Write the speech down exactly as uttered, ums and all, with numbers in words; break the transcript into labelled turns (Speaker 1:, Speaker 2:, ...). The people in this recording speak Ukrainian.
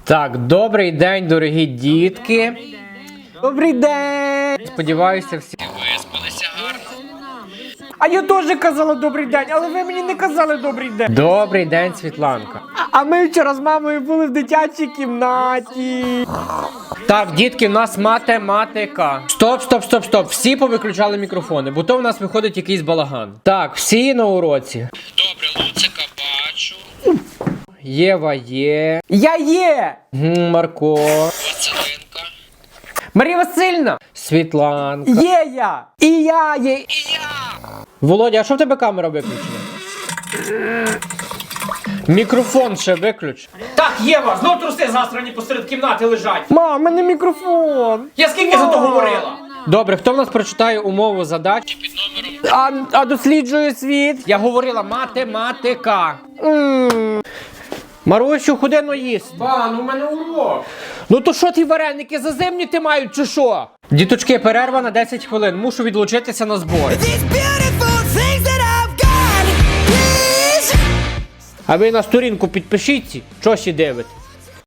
Speaker 1: Так, добрий день, дорогі дітки.
Speaker 2: Добрий день!
Speaker 1: Сподіваюся, всі
Speaker 3: Виспалися гарно.
Speaker 2: А я теж казала добрий день, але ви мені не казали добрий день.
Speaker 1: Добрий день, Світланка.
Speaker 2: А ми вчора з мамою були в дитячій кімнаті.
Speaker 1: Так, дітки, у нас математика. Стоп, стоп, стоп, стоп. Всі повиключали мікрофони, бо то в нас виходить якийсь балаган. Так, всі на уроці.
Speaker 3: Добре, Луцика бачу.
Speaker 1: Єва є.
Speaker 2: Я є!
Speaker 1: Гм, Марко.
Speaker 3: Василинка.
Speaker 2: Марія Васильівна!
Speaker 1: Світланка.
Speaker 2: Є я! І я є!
Speaker 3: І я.
Speaker 1: Володя, а що в тебе камера виключена? Мікрофон ще виключ.
Speaker 4: Так, Єва, знов труси засрані посеред кімнати лежать.
Speaker 2: Мам, у мене мікрофон!
Speaker 4: Я скільки за то говорила?
Speaker 1: Добре, хто в нас прочитає умову задач?
Speaker 3: Під номером
Speaker 2: А, а досліджує світ?
Speaker 1: Я говорила математика.
Speaker 2: М.
Speaker 1: Марусю, ходи но їсти.
Speaker 4: Ба, ну в мене урок.
Speaker 1: Ну то що ті вареники заземніти мають чи що? Діточки, перерва на десять хвилин. Мушу відлучитися на збори. А ви на сторінку підпишіться, що ще дивитесь.